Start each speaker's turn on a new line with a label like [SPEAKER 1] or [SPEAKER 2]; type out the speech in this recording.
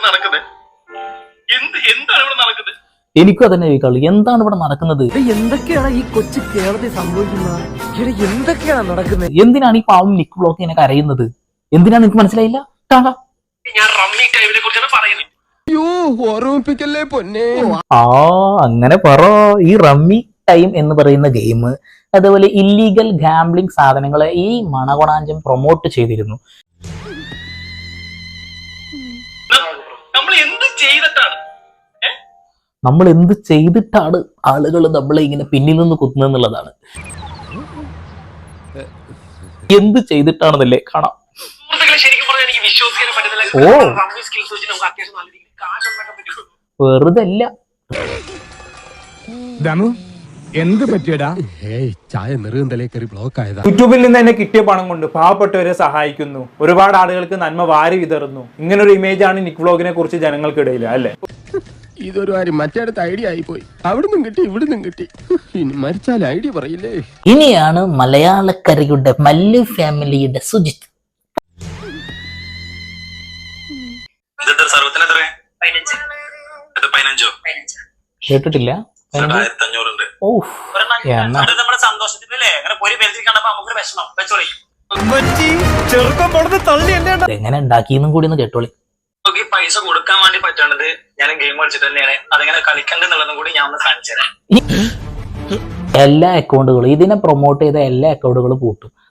[SPEAKER 1] എനിക്കും അതന്നെ ചോദിക്കാളൂ, എന്താണ് ഇവിടെ നടക്കുന്നത്?
[SPEAKER 2] എന്തൊക്കെയാണ് ഈ കൊച്ചു കേരളത്തിൽ സംഭവിക്കുന്നത്? എന്തൊക്കെയാണ് നടക്കുന്നത്?
[SPEAKER 1] എന്തിനാണ് ഈ പാവം നിക്ക് ബ്ലോക്ക് ഇങ്ങനെ കരയുന്നത്? എന്തിനാണ് എനിക്ക് മനസ്സിലായില്ല.
[SPEAKER 3] ഞാൻ റമ്മി ടൈമിനെ കുറിച്ചാണ് പറയുന്നത്.
[SPEAKER 1] അങ്ങനെ പറ. ഈ റമ്മി ടൈം എന്ന് പറയുന്ന ഗെയിം, അതുപോലെ ഇല്ലീഗൽ ഗാംബ്ലിംഗ് സാധനങ്ങളെ ഈ മണകൊണാഞ്ചം പ്രൊമോട്ട് ചെയ്തിരുന്നു. നമ്മൾ എന്ത് ചെയ്തിട്ടാണ് ആളുകൾ നമ്മളെ ഇങ്ങനെ പിന്നിൽ നിന്ന് കുത്തുന്നതെന്നുള്ളതാണ്. എന്ത് ചെയ്തിട്ടാണെന്നല്ലേ കാണാം. ഓ, വെറുതെ അല്ല.
[SPEAKER 4] എന്ത് പറ്റിയടാ?
[SPEAKER 5] ചായ നെറുകന്തലേ കയറി ബ്ലോക്ക് ആയതാ.
[SPEAKER 4] യൂട്യൂബിൽ നിന്ന് തന്നെ കിട്ടിയ പണം കൊണ്ട് പാവപ്പെട്ടവരെ സഹായിക്കുന്നു, ഒരുപാട് ആളുകൾക്ക് നന്മ വാരി വിതറുന്നു. ഇങ്ങനൊരു ഇമേജാണ് നിക്ക് വ്ലോഗിനെ കുറിച്ച് ജനങ്ങൾക്കിടയിൽ, അല്ലേ?
[SPEAKER 5] ഇതൊരു കാര്യം മറ്റേടത്ത് ഐഡിയ ആയിപ്പോയി. അവിടുന്നും കിട്ടി ഇവിടുന്നും കിട്ടി. ഇനി മരിച്ചാൽ ഐഡിയ പറയില്ലേ.
[SPEAKER 1] ഇനിയാണ് മലയാളക്കരയുടെ മല്ലു ഫാമിലിയുടെ സുജിത്ത്. കേട്ടിട്ടില്ല. എങ്ങനെ ഉണ്ടാക്കിയെന്നും കൂടി ഒന്ന് കേട്ടോളി.
[SPEAKER 3] പൈസ കൊടുക്കാൻ വേണ്ടി പറ്റണത് ഞാൻ ഗെയിം കളിച്ചിട്ട് തന്നെയാണ്. അതെങ്ങനെ കളിക്കണ്ടെന്നുള്ളതും കൂടി ഞാൻ ഒന്ന് കാണിച്ചു തരാം.
[SPEAKER 1] എല്ലാ അക്കൗണ്ടുകളും, ഇതിനെ പ്രൊമോട്ട് ചെയ്ത എല്ലാ അക്കൗണ്ടുകളും പൂട്ടും.